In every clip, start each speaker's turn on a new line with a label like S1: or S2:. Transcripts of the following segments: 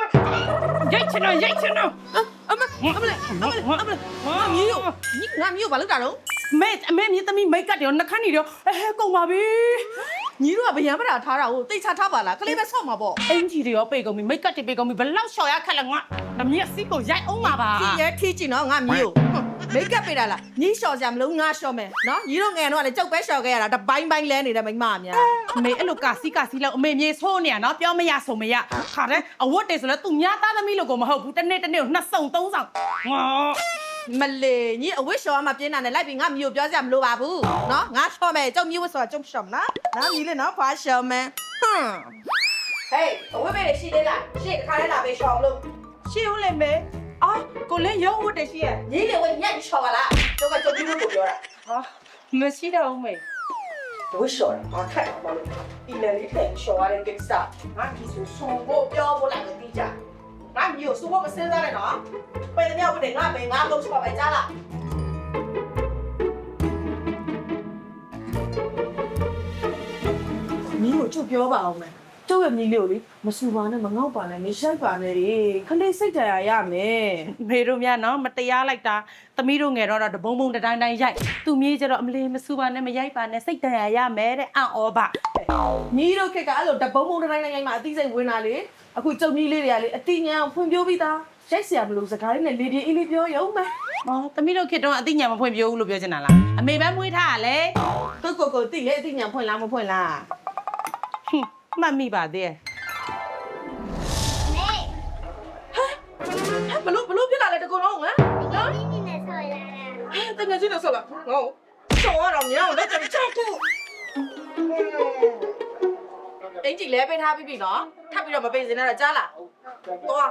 S1: ရိုက်ချင်တော့ရိုက်ချင်တော့
S2: အမလေးငါမျိုးဘာလုပ်တာတော့
S1: အမေမြေသမီးမိတ်ကတ်တယ်နှခမ်းနေတော့ကုန်ပါပြီ
S2: ညီတို့ကဗျံပတာထားတာကိုတိတ်ချထားပါလားကလေးပဲဆော့မှာပေါ့
S1: အင်ကြီးတွေရောပေကုန်ပြီမိတ်ကတ်တွေပေကုန်ပြီဘလောက်လျှော်ရခက်လဲငါအမေစီကိုရိုက်အောင်ပါပါ
S2: ဒီရဲထီးကြည့်နော်ငါမျိုးမိတ်ကပ်ပေးတာလားညီလျှော်စရာမလိုငါလျှော်မယ်နော်ညီတို့ငယ်တော့လည်းကြောက်ပဲလျှော်ခဲ့ရတာတပိုင်းပိုင်းလဲနေတဲ့မိမအများ
S1: အမေအဲ့လိုကာစီလောက်အမေမြေဆိုးနေရနော်ပြောမရဆိုမရခါတဲ့အဝတ်တွေဆိုလဲသူများသားသမီးလို့ကိုမဟုတ်ဘူးတစ်နေ့ကိုနှစ်စုံသုံးဆောင်ငါ
S2: မလေးညီအဝတ်လျှော်မှပြင်းတာနဲ့လိုက်ပြီးငါမျိုးပြောစရာမလိုပါဘူးနော်ငါလျှော်မယ်ကြောက်မျိုးဝတ်ဆိုတာကြောက်လျှော်မလားနော်ညီလေးနော်ဖာလျှော်မယ်ဟမ်ဟေးအဝတ်ပဲရှိသေးလားရှေ့ခါလဲလာပေးလျှော်လို့
S1: ရှေ့ဦးလေမေအာကိုလည်းရုံးဝတ်တယ်ရှိရ
S2: ညီလေးဝတ်ညက်လျှော်ပါလားကြောက်ကကြောက်မျိုးကိုပြောတာ
S1: ဟာမရှိတော့ဦးမေ
S2: ဝတ်လျှော်တာအခက်ပါလို့အီလလေးထည့်လျှော်ရတဲ့ကိစ္စငါဒီဆိုဆုံးဖို့ပြောဖို့လိုက်လို့ပြီးကြငါမျိုးစိုးဖို့မစင်းစားနဲ့နော်ပဲတမြောက်ပဲငါပဲငါလုံးချပါပဲကြားလားညီကိုကျုပ်ပြောပါအောင်မယ်ကျုပ်ရဲ့ညီလေးကိုလေမဆူပါနဲ့မငေါ့ပါနဲ့မရှိုက်ပါနဲ့လေခလေးစိတ်တရားရမယ်
S1: မေတို့များနော်မတရားလိုက်တာသမီးတို့ငယ်တော့တဘုံဘုံတိုင်းရိုက်သူမြေးကျတော့အမလေးမစူပါနဲ့မရိုက်ပါနဲ့စိတ်တန်ရမယ်တဲ့အံ့ဩပါ
S2: ညီတို့ခက်ကအဲ့လိုတပုံးပုံးတိုင်းတိုင်းမှာအသိစိတ်ဝင်လာလေအခုကျုပ်ညီလေးတွေကလေအတိညာဖွင့်ပြပြီးသားရိုက်เสียမလို့စကားလေးနဲ့လေပြေးအေးလေးပြောရုံပဲ
S1: အော်သမီးတို့ခေတ္တကအသိဉာဏ်မဖွင့်ပြဘူးလို့ပြောချင်တာလားအမေပဲမွေးထားရလေ
S2: သူကိုတိလေအတိညာဖွင့်လားမဖွင့်လား
S1: ဟွန်းမှတ်မိပါသေးရဲ့
S2: ဘလို့ဖြစ်လာလဲတကူလုံးဟမ်နော်
S3: 你那时候来了。
S2: တကယ်ချင်းတော့ဆောက်လာငေါဆောက်ရတော့ညောင်းလက်ချချခုအင်ကြီးလဲပေးထားပြီးပြီနော်ထပ်ပြီးတော့မပေးစင်းနဲ့တော့ကြားလားသွား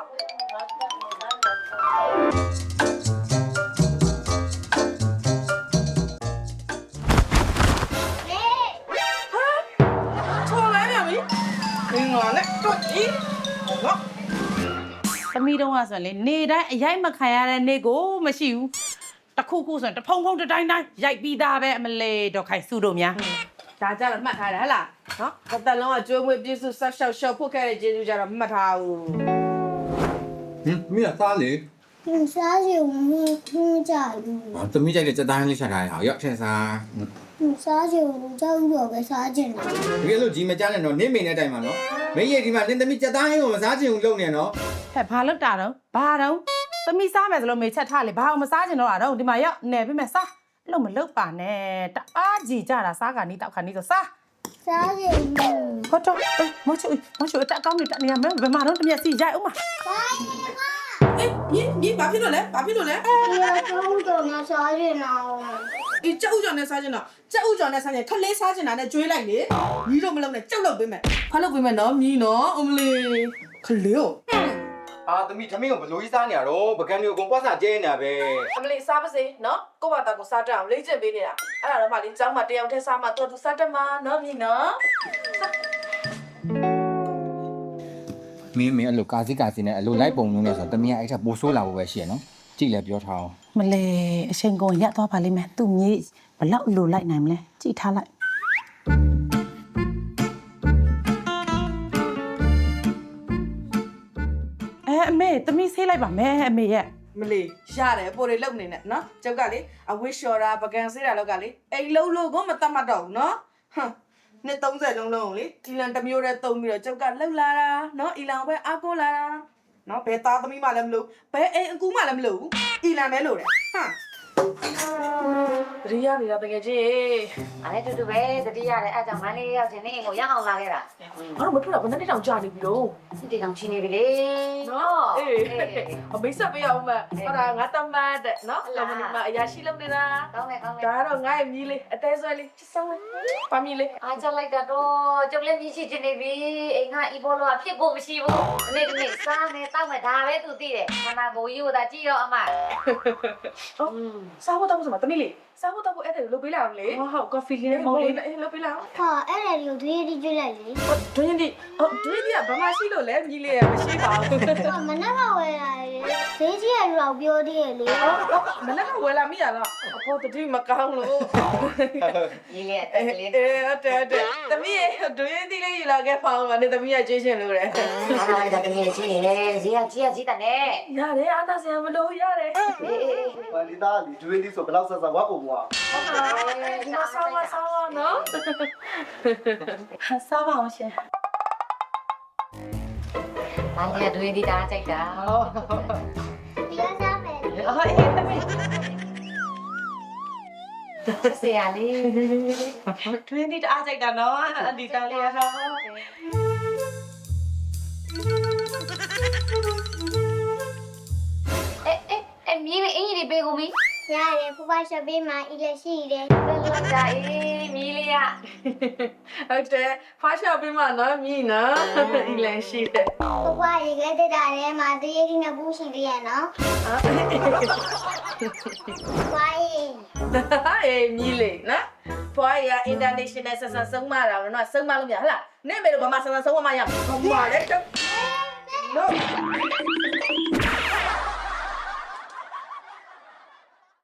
S2: ထော်လိုက်ရပြီငါနဲ့တွေ့ပြီငါ
S1: သမီးတို့ကဆိုရင်လေနေတိုင်းအရိုက်မခံရတဲ့နေကိုမရှိဘူးတခုခုဆိုရင်တဖုံဖုံတိုင်းရိုက်ပြီးသားပဲအမလေးတော့ခိုင်စုတို့များ
S2: ဒါကြတော့မှတ်ထားတယ်ဟဲ့လားနော်တစ်သက်လုံးကကျွေးမွေးပြည့်စုံဆက်ရှောက်ရှောက်ဖို့ခဲ့တဲ့ကျေးဇူးကြတော့မှတ်ထားဘူး
S4: မင်းကသားလေ
S3: 你啥时候家里？
S4: သမီးကြိုက်တဲ့စက်သားလေးချက်ထားရအောင်ရောက်ချက်စား
S3: 你啥时候家有个啥进来？
S4: တကယ်လို့ကြီးမကြနဲ့တော့နင်းမိတဲ့အတိုင်းမှာနော်မင်းရဲ့ဒီမှာနင်းသမီးစက်သားဟင်းကိုမစားချင်ဘူးလုပ်နေနော်
S1: ဟဲ့ဘာလုပ်တာတော့ဘာတော့သမီးစားမယ်ဆိုလို့မေချက်ထားလေဘာအောင်မစားချင်တော့တာတော့ဒီမှာရောက်နေပြီမဲ့စားအဲ့လိုမလုပ်ပါနဲ့တအားကြည်ကြတာစားခါနီးတောက်ခါနီးဆိုစား
S3: 啥时候？
S1: ဟုတ်တော့မချူအတက်ကောင်းနေတက်နေရမယ်ဘယ်မှာတော့တမျက်စီရိုက်အောင်မ
S2: အေးမြင်းဘာဖြစ်လို့လဲဘာဖြစ်လို့လဲ
S3: 你要中午那啥进来？
S2: အေးကြောက်ဥကြော်နဲ့စားချင်တော့ကြောက်ဥကြော်နဲ့စားချင်ခလေးစားချင်တာနဲ့ကျွေးလိုက်လေညီတို့မလုံးနဲ့ကြောက်လုပ်ပေးမယ်ဖားလုပ်ပေးမယ်နော်မြင်းနော်အမလေးခလေးကို
S4: အာသမီးသမီးကိုဘလို့ကြီးစားနေရတော့ပကံမျိုးအကုန်ပွားစားကျဲနေတာပဲ
S2: အမလေးစားပါစေနော်ကိုယ့်ဘာသာကိုစားတတ်အောင်လေ့ကျင့်ပေးနေတာအဲ့ဒါတော့မှလေကျောင်းမှာတယောက်တည်းစားမှတော်သူစားတတ်မှာနော်မြင်းနော်
S4: မင်းအဲ့လိုကာစီနဲ့အဲ့လိုလိုက်ပုံလုံးနဲ့ဆိုတော့သမီးကအဲ့ထက်ပိုဆိုးလာဖို့ပဲရှိရနော်ကြည့်လဲပြောထားအောင်
S1: မလဲအချိန်ကုန်ရက်သွားပါလိမ့်မယ်သူ့မြေဘလောက်လိုလိုက်နိုင်မလဲကြည့်ထားလိုက်အမေသမီးဆေးလိုက်ပါမယ်အမေရဲ့
S2: မလေးရတယ်ပိုတွေလုံနေနဲ့နော်ကျုပ်ကလေအဝစ်လျှော်တာပကံဆေးတာလောက်ကလေအိမ်လုံးလို့ကိုမတတ်မှတ်တော့ဘူးနော်ဟမ်နှစ်30လုံးလုံးလေအီလန်တစ်မျိုးတည်းသုံးပြီးတော့ကျုပ်ကလှုပ်လာတာနော်အီလန်ပဲအားကိုးလာတာနော်ဘယ်သားသမီးမှလည်းမလို့ဘယ်အိမ်အကူမှလည်းမလို့ဘူးအီလန်ပဲလို့တယ်ဟမ်ရိယာနေတာတကယ်ကြီး
S5: အဲ့တူတူပဲတတိရတယ်အဲ့ကြောင့်မန်းလေးရောက်ချင်းနေအိမ်ကိုရအောင်လာခဲ့တာ
S2: အဲ့တော့မထွက်တော့ဘယ်နှစ်တောင်ကြာနေပြီတော့
S5: စစ်တောင်ချင်းနေပြီလေ
S2: နော်အေးအမိတ်ဆက်ပေးအောင်မဟုတ်တာငါတမတ်တဲ့နော်လမနီမအရာရှိလုပ်နေတာ
S5: ကောင်းတယ်ကောင်းတယ်
S2: ဒါတော့ငါရဲ့မြည်လေးအသေးဆွဲလေးချစ်ဆောင်လေးပါမီလေး
S5: အားကြလိုက်တာတော့ကျုပ်လည်းမြည်ရှိချင်နေပြီအိမ်ကအီဘောလောဖြစ်ဖို့မရှိဘူးဒီနေ့စားနေတောက်မယ်ဒါပဲသူသိတယ်ခန္ဓာကိုယ်ကြီးကိုသာကြည့်တော့အမ
S2: စားဖို့တောင်းဆိုမှာတမီးလေးစားဖို့တော့အဲ့ဒါလုပ်ပေးလိုက်အောင်လေ
S1: ဟုတ် coffee လေးနဲ့မုံလေးနဲ့
S2: အေးလုပ်ပေးလိုက်အောင်
S3: ဟာအဲ့ဒါလေးကိုတွေးပြီးကြည့်လိုက်လေ
S2: ဒွင်းဒီဒွင်းဒီကဘာမှရှိလို့လဲမြည်လေးရမရှိပါဘူး
S3: ဟာမနက်ကဝယ်လာတယ်ဈေးကြီးရတော့ပြောသေးတယ်လေ
S2: မနေ့ကဝယ်လာမိရလားအဖေတတိမကောင်းလို့
S5: ညီလေးအတက်လေး
S2: တဲ့သမီးရဒွင်းဒီလေးယူလာခဲ့ဖောင်းပါနဲ့သမီးရကျွေးချင်လို့တယ်
S5: အားလိုက်တာတကယ်ကြီးနေလေဈေးကကြီးတယ်နဲ့
S2: ရတယ်အားသာစရာမလိုရတယ်
S5: အေး
S6: ဘာဒီသားဒီဒွေးဒီဆိုဘယ်လောက်ဆက်ဆက်ဝတ်ပုံကွာ
S2: ဒီမှာဆောင်းနော်
S1: စားပါအောင်ရှင်
S5: အားရတွေ့ဒီတာကြိုက်တာ
S3: တရားစားမယ်လေ
S2: အော်အေးသမီး
S5: ဆရာလေး
S2: ဒွင်းဒီတအားကြိုက်တာနော်အဒီတန်းလေးရတော့
S5: အေးမြည်လေးအင်းကြီးပေးကုန်ပြီ
S3: ရတယ်ဖူဖာရှော့ပေးမှာအီလက်ရှိတယ်
S5: လောက်တာအေးမြည်လေးရ
S2: ဟုတ်တယ်ဖားရှော့ပေးမှာနော်မြည်နော်အီလန်ရှိတယ်
S3: ဖူဖာရေခဲတက်တာထဲမှာတရေကြီးနှစ်ဘူးရှိသေးရဲ့နော်ဖူဖာရေ
S2: အေးမြည်လေးနော်ဖွားရ international ဆက်ဆက်ဆုံးမတာနော်ဆုံးမလို့မရဟလားနေမေတို့ဘာမှဆက်ဆက်ဆုံးမရဘာမှလဲတော့ no